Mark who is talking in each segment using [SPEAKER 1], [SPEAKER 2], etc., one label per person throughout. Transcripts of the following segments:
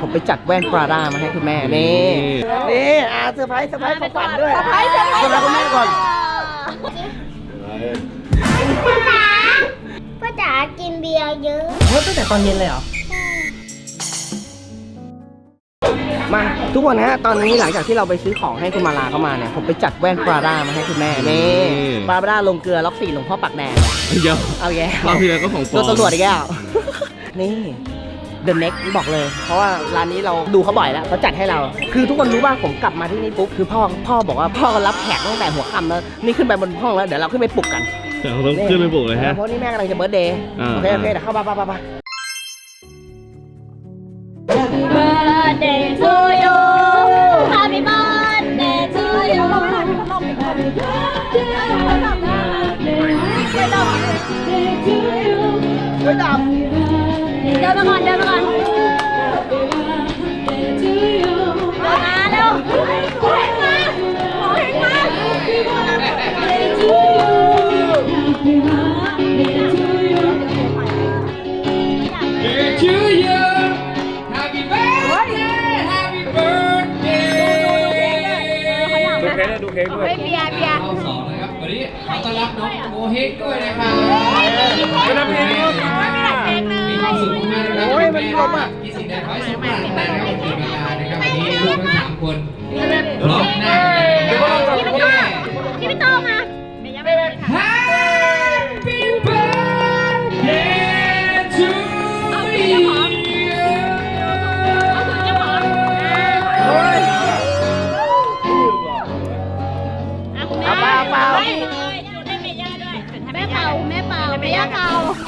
[SPEAKER 1] ผมไปจัดแว่นปราด้ามาให้คุณแม่นี่เซอร์ไพรส์ของขวัญด้วยคุณแม่ก่อน
[SPEAKER 2] พ่อจ๋ากินเบียร์เยอะ
[SPEAKER 1] ตั้งแต่ตอนเย็นเลยเหรอมาทุกคนฮะตอนนี้หลังจากที่เราไปซื้อของให้คุณมาลาเข้ามาเนี่ยผมไปจัดแว่นปราด้ามาให้คุณแม่นี่ปราด้าลงเกลือล็อก4หลวงพ่อปักแดง
[SPEAKER 3] เยอะ
[SPEAKER 1] เอาแย่
[SPEAKER 3] เราพี่เลยก็ของปลอม
[SPEAKER 1] ตำรวจอีกแล้วนี่ The Next บอกเลยเพราะว่าร้านนี้เราดูเขาบ่อยแล้วเขาจัดให้เราคือทุกคนรู้ว่าผมกลับมาที่นี่ปุ๊บคือพ่อบอกว่าพ่อรับแขกตั้งแต่หัวค่ำแล้วนี่ขึ้นไปบนห้องแล้วเดี๋ยวเราขึ้นไปปลุกกัน
[SPEAKER 3] เดี๋ยวต้องขึ้นไปปลุกเลยฮะ
[SPEAKER 1] เพราะนี่แม่กำลังจะเบิร์ธเดย์โอเคเดี๋ยวเข้าไป
[SPEAKER 2] Happy birthday to you Happy birthday to you Happy birthday to you
[SPEAKER 1] เฮ้ยดำ
[SPEAKER 2] เดินมาก่อนเดินมาเร็วขอให้มา
[SPEAKER 4] To you, happy birthday, happy birthday.
[SPEAKER 3] ดูเค้กด้วย
[SPEAKER 2] เบียร์
[SPEAKER 4] เอาสองนะครับวันนี้ขอต้อนรับน้องโมเฮกด้วยนะครับ มีความสุขมากๆนะครับแม่มีสิ่งใดขอให้สมปรารถนานะครับเป็นเวลานะครับวันนี้ลูกทั้ง3 คนพร้อมหน้านะครับ
[SPEAKER 2] พี่ไม่โตมา
[SPEAKER 4] Happy birthday to you
[SPEAKER 1] เปล่า
[SPEAKER 2] แม่เป่าแม่ย่าเป่า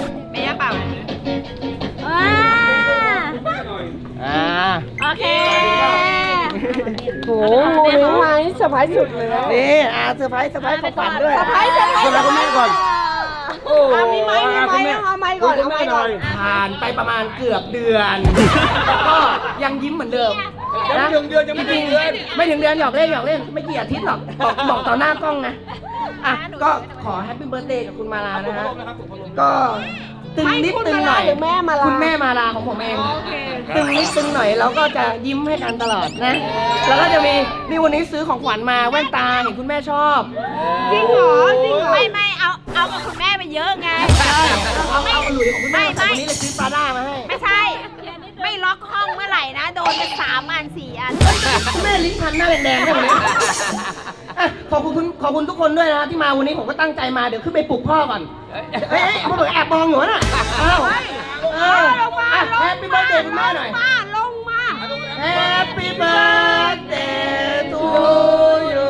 [SPEAKER 2] โอเค
[SPEAKER 1] โอ้โหนี่ไงเซอร์ไพรส์สุดเลยนี่เซอร์ไพรส์ของขวัญด้วยคุณแม่ก่อนมีไม้เอาไม้ก่อนผ่านไปประมาณเกือบเดือนก็ยังยิ้มเหมือนเดิมนะยังไม่ถึงเดือนหยอกเล่นไม่กี่อาทิตย์หรอกบอกต่อหน้ากล้องนะก็ขอแฮปปี้เบิร์ธเดย์กับคุณมาลานะฮะก็ตึงนิดตึงหน่อยคุณแม่มาลาของผมเองตึงนิดตึงหน่อยเราก็จะยิ้มให้กันตลอดนะแล้วก็จะมีนี่วันนี้ซื้อของขวัญมาแว่นตาเห็นคุณแม่ชอบ
[SPEAKER 2] จริงเหรอไม่เอากับคุณแม่ไปเยอะไง
[SPEAKER 1] เอาหลุยของคุณแม่แต่วันนี้เลยซื้อปลาด้ามาให้
[SPEAKER 2] ไม่ใช่ไม่ล็อกห้องเมื่อไหร่นะโดนไป3 อัน 4 อัน
[SPEAKER 1] แม่ลิ้นพันหน้าแดงๆเนี่ยวันนี้ขอบคุณทุกคนด้วยนะที่มาวันนี้ผมก็ตั้งใจมาเดี๋ยวขึ้นไปปลุกพ่อก่อนพ่อบอกแอบมองอยู่น่ะแฮปปี้เบิร์ธเดย์คุณแม่หน่อย
[SPEAKER 2] ลงมา
[SPEAKER 1] Happy birthday to you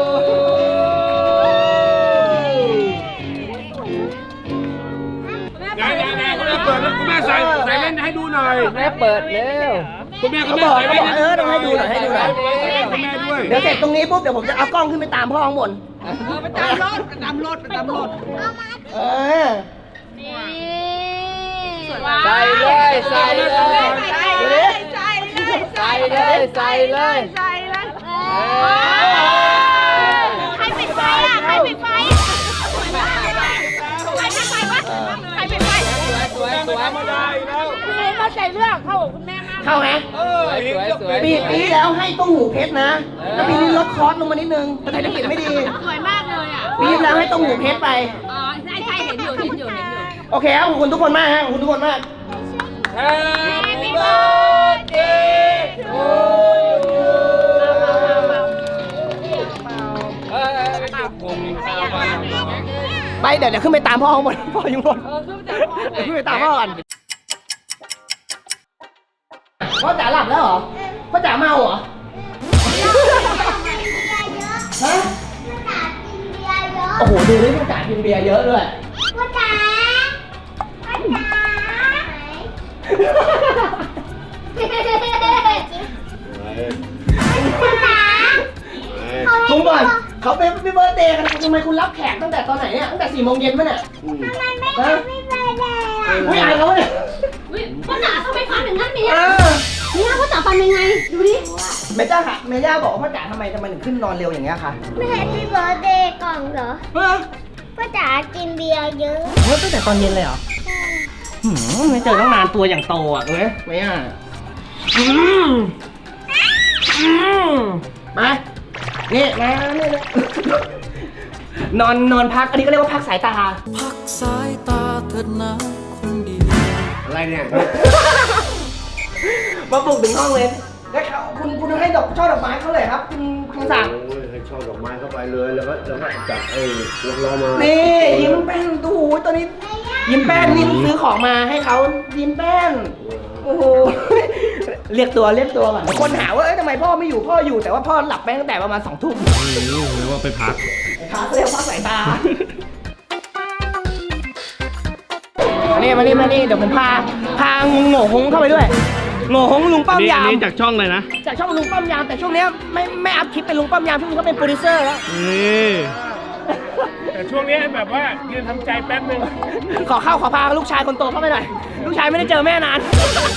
[SPEAKER 3] คุณแม่ใส่เล่นให้ดูหน่อย
[SPEAKER 1] แม่เปิดเร็ว
[SPEAKER 3] คุณแม่
[SPEAKER 1] ต้องให้ดูหน่อย
[SPEAKER 3] คุณแม่ด้วย
[SPEAKER 1] เดี๋ยวเสร็จตรงนี้ปุ๊บเดี๋ยวผมจะเอากล้องขึ้นไปตามพ่อข้างบน
[SPEAKER 2] ไปตามรถ
[SPEAKER 1] ใส่เลยใส่เลย
[SPEAKER 2] ใครปิดไฟใครปิดไฟเข้าใจเรื่องเข้าคุณแม่มาก
[SPEAKER 1] เข้าไหมปีแล้วให้ต้มหูเพชรนะแล้วปีนี้ลดคอสลงมานิดนึงแต่เศรษฐกิจไม่ดี
[SPEAKER 2] สวยมากเลยอ่ะ
[SPEAKER 1] ปีแล้วให้ต้มหูเพชรไป
[SPEAKER 2] ใช่เห็นอยู่
[SPEAKER 1] โอเคครับขอบคุณทุกคนมากฮะขอบคุณทุกคนมาก
[SPEAKER 2] Happy birthday to you
[SPEAKER 1] ไปเดี๋ยวขึ้นไปตามพ่อข้างบนพ่ออยู่บนขึ้นไปตามพ่อก่อนพ่อจ๋าหลับแล้วเหรอพ่อจ๋าเมาเหรอฮะโอ้โหดูดิพ่อจ๋ากินเบียร์เยอะด้วย
[SPEAKER 2] พ่อจ๋า
[SPEAKER 1] คุณก่อนเขาเป็นพี่เบิร์ธเดย์กันทำไมคุณรับแขกตั้งแต่ตอนไหนเนี่ยตั้งแต่4 โมงเย็นมั้ยเนี่ย
[SPEAKER 2] ทำไมไม่ทำพี่เบิร์ธเดย์
[SPEAKER 1] ไม่อายเขาเนี่ย
[SPEAKER 2] พ่อจ๋าทำไมฟันอย่างนั้นเนี่ยพ่อจ๋าฟันยังไงดูดิ
[SPEAKER 1] แม่ย่าบอกว่าพ่อจ๋าทำไมถึงขึ้นนอนเร็วอย่างเงี้ยคะ
[SPEAKER 2] ไม่แฮปปี้เบิร์ธเดย์ก่อนเหรอพ่อจ๋ากินเบียร์เยอะ
[SPEAKER 1] ตั้งแต่ตอนเย็นเลยเหรอไม่เจอตั้งนานตัวอย่างโตอ่ะเว้ยไม่อ่ะมานี่มานี่นอนพักอันนี้ก็เรียกว่าพักสายตา
[SPEAKER 5] พักสายตาเถิดนะคนดี
[SPEAKER 3] อะไรเนี่ย
[SPEAKER 1] มาปลุกถึงห้องเลยแล้วคุณให้ช่อดอกไม้เขาเลยครับคุณสั่ง
[SPEAKER 3] โอ้ยให้ช่อดอกไม้เข้าไปเลยแล้วก็จัดรอมา
[SPEAKER 1] นี่ยิ้มแป้นดูตัวนี้ ยิ้มแป้นนี่ซื้อของมาให้เขายิ้มแป้นโอ้โหเรียกตัวก่อนคนหาว่าทำไมพ่อไม่อยู่พ่ออยู่แต่ว่าพ่อหลับไปตั้งแต่ประมาณ2 ทุ่ม
[SPEAKER 3] เรียกว่าไปพัก
[SPEAKER 1] ขาเรียกพักสายตามานี่เดี๋ยวผมพาโง่หงเข้าไปด้วยโง่หงลุงป้อมยามนี่จากช่องเลยนะจากช่องลุงป้อมยามแต่ช่วงนี้ไม่อัพคลิปเป็นลุงป้อมยามช่วงนี้เขาเป็นโปรดิวเซอร์แล้ว
[SPEAKER 3] แต่ช่วงนี้แบบว่ายืนทำใจแป๊บนึง
[SPEAKER 1] ขอพาลูกชายคนโตเข้าไปหน่อยลูกชายไม่ได้เจอแม่นาน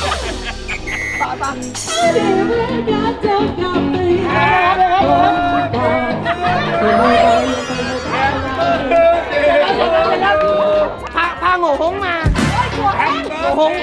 [SPEAKER 1] พาโง่หงมาโง่หง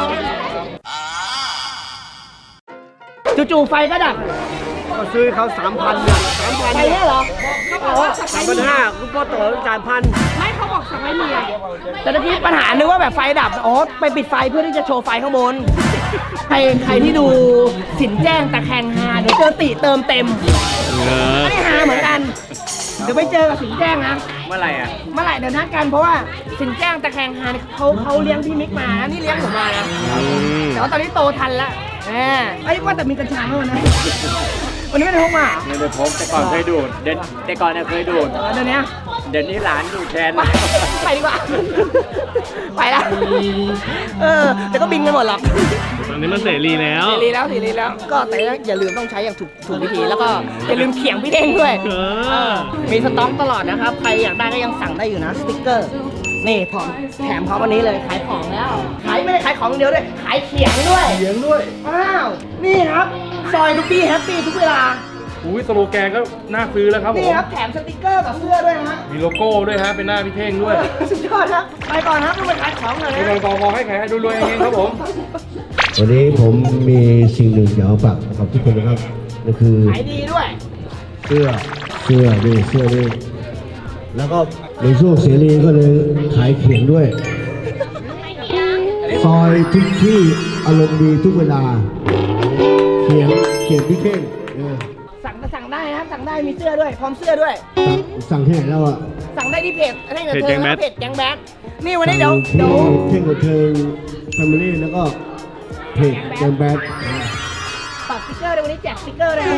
[SPEAKER 1] จู่ๆไฟก็ดับ
[SPEAKER 3] ก็ซื้อเขา3,000เนี่ย3,000
[SPEAKER 1] ไฟเนี่ยเหรอเขาบอกว่า
[SPEAKER 3] 3,500คุณพ่อต่อ3,000
[SPEAKER 1] ไม่เขาบอกสั่งไม่มีแต่ตะกี้ปัญหานึกว่าแบบไฟดับอ๋อไปปิดไฟเพื่อที่จะโชว์ไฟข้างบนใครที่ดูสินแจ้งตะแคงฮาเดี๋ยวเจอติเติมเต็มอันนี้ฮาเหมือนกันเดี๋ยวไปเจอกับสินแจ้งนะเมื่อไหร่เดี๋ยวนัดกันเพราะว่าสินแจ้งตะแคงฮาเขาเลี้ยงพี่มิกมานี่เลี้ยงผมมานะแต่ว่าตอนนี้โตทันแล้วไอ้ว่าแต่มีกัญชาเท่านั้นวันนี้ไม่ได้พกมา
[SPEAKER 3] ไม่ได้พกแต่ก่อนเคยดูดแต่ก่อนเคยดูด
[SPEAKER 1] เดี๋ยว
[SPEAKER 3] นี้หลานดูดแทน
[SPEAKER 1] ไปดีกว่าไปแล้วแต่ก็บินกันหมดหรอก
[SPEAKER 3] ตอนนี้มันเสรีแล้ว
[SPEAKER 1] ก็แต่อย่าลืมต้องใช้อย่างถูกวิธีแล้วก็อย่าลืมเขียงพี่เด้งด้วยมีสต็อกตลอดนะครับใครอยากได้ก็ยังสั่งได้อยู่นะสติ๊กเกอร์นี่พร้อมแถมเขาวันนี้เลยขายของแล้วไม่ได้ขายของเดียวด้วยขายเขียงด้วยอ้าวนี่ครับซอยทุกที่แฮปปี้ทุกเวลา
[SPEAKER 3] อุ้ยสโลแกนก็น่าซื้อแล้วครับผม
[SPEAKER 1] นี่ครับแถมสติ๊กเกอร์กับเสื้อด้วยนะ
[SPEAKER 3] มีโลโก้ด้วยฮะเป็นหน้าพี่เท่งด้วย
[SPEAKER 1] สุดยอดครับไปก่อนครับต้องไปขายของหน่อยนะ
[SPEAKER 3] ขอให้ขายดูรวยเองครับผม
[SPEAKER 6] วันนี้ผมมีสิ่งหนึ่งอยากฝากกับทุกคนนะครับนั่นคือ
[SPEAKER 1] ขายดีด้วย
[SPEAKER 6] เสื้อนี่แล้วก็ในช่วงเสรีก็เลยขายเขียงด้วยซอยทุกที่อารมณ์ดีทุกเวลาเขียงพี่เข่ง
[SPEAKER 1] สั่งได้นะครับสั่งได้มีเสื้อด้วยพร้อมเสื้อด้วย
[SPEAKER 6] สั่งที่ไหนแล้วอ่ะ
[SPEAKER 1] สั่งได้ที่เพจแก๊งแบทนี่วันนี้เดี๋ยว
[SPEAKER 6] เข่งกับเทิงแฟมิลี่แล้วก็เพจแก๊งแบท
[SPEAKER 1] ปักสติ๊กเกอร์วันนี้แจกสติ๊กเกอร์เลย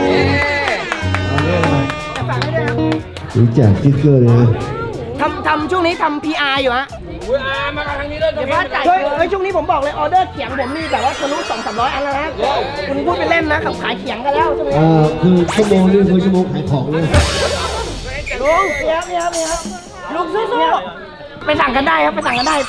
[SPEAKER 1] จะฝากให้ด้วยครับ
[SPEAKER 6] แจกสติ๊กเกอร์เลยนะ
[SPEAKER 1] ทำช่วงนี้ทำ PR อยู่ฮะ
[SPEAKER 3] มาทางนี้เลย
[SPEAKER 1] เดี๋ยวว่าจ่ายช่วงนี้ผมบอกเลยออเดอร์เขียงผมมีแบบว่าทะลุ 200-300 อันแล้วนะคุณพูดไปเล่นนะขับขายเขียงกันแล้วใช่ไหม
[SPEAKER 6] คือชั่วโมงนี้คือชั่วโมงขายของเลย
[SPEAKER 1] ลุงเดี๋ยวลุงสู้ๆไปสั่งกันได้ครับไปสั่งกันได้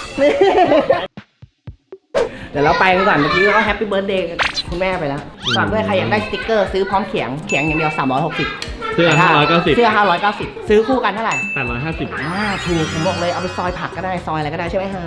[SPEAKER 1] เดี๋ยวเราไปกันก่อนเมื่อกี้ก็แฮปปี้เบิร์ธเดย์คุณแม่ไปแล้วฝากด้วยใครอยากได้สติ๊กเกอร์ซื้อพร้อมเขียงอย่างเดียว360
[SPEAKER 3] เสื้อ
[SPEAKER 1] 590ซื้อคู่กันเท่าไหร่
[SPEAKER 3] 850
[SPEAKER 1] ถูกผมบอกเลยเอาไปซอยผักก็ได้ซอยอะไรก็ได้ใช่ไหมฮะ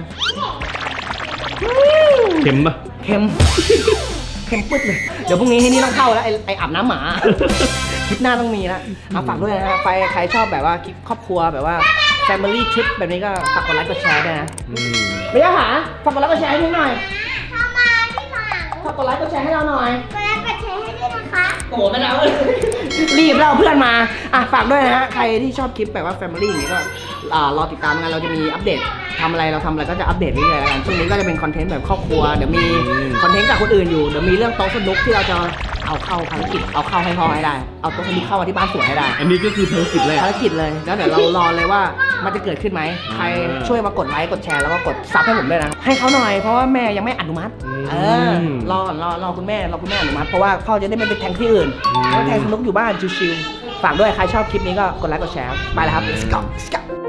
[SPEAKER 3] เค็มปะ
[SPEAKER 1] เค็มปึ๊ดเลยเดี๋ยวพรุ่งนี้ให้นี่ต้องเข้าแล้วไออาบน้ำหมาคลิปหน้าต้องมีแล้วฝากด้วยนะฮะใครชอบแบบว่าคลิปครอบครัวแบบว่า Family Trip แบบนี้ก็ฝากกดไลค์กดแชร์ด้วยนะไม่ได้หาฝากกดไลค์กดแชร์ให้หน่อยฝากกดไลค์กดแชร์ให้เราหน่อย
[SPEAKER 2] กดไลค์กดแชร์ให้ด้วยนะคะ
[SPEAKER 1] โอ้โหไม่ได้รีบแล้วเพื่อนมาฝากด้วยนะฮะใครที่ชอบคลิปแบบว่า Family อย่างนี้ก็รอติดตามกันเราจะมีอัปเดตทำอะไรเราทำอะไรก็จะอัปเดตเรื่อยๆกันช่วงนี้ก็จะเป็นคอนเทนต์แบบครอบครัวเดี๋ยวมีคอนเทนต์จากคนอื่นอยู่เดี๋ยวมีเรื่องโต๊ะสนุกที่เราจะเอาเข้าภารกิจเอาเข้าให้พ่อให้ได้เอาโต๊ะสนุกเข้ามาที่บ้านสวนให้ได้
[SPEAKER 3] อันนี้ก็คือภารกิจเลย
[SPEAKER 1] แล้วเดี๋ยวเรารอเลยว่ามันจะเกิดขึ้นไหมใครช่วยมากดไลค์กดแชร์แล้วก็กดซับให้ผมด้วยนะให้เขาหน่อยเพราะว่าแม่ยังไม่อนุมัติรอคุณแม่อนุมัติเพราะว่าพ่อจะได้ไม่ไปแทงที่อื่นแล้วแทงสนุกอยู่บ้านชิวๆฝากด้วยใครชอบคลิปนี้ก็กดไลค์กดแชร์ไปแล้วครับ Let's go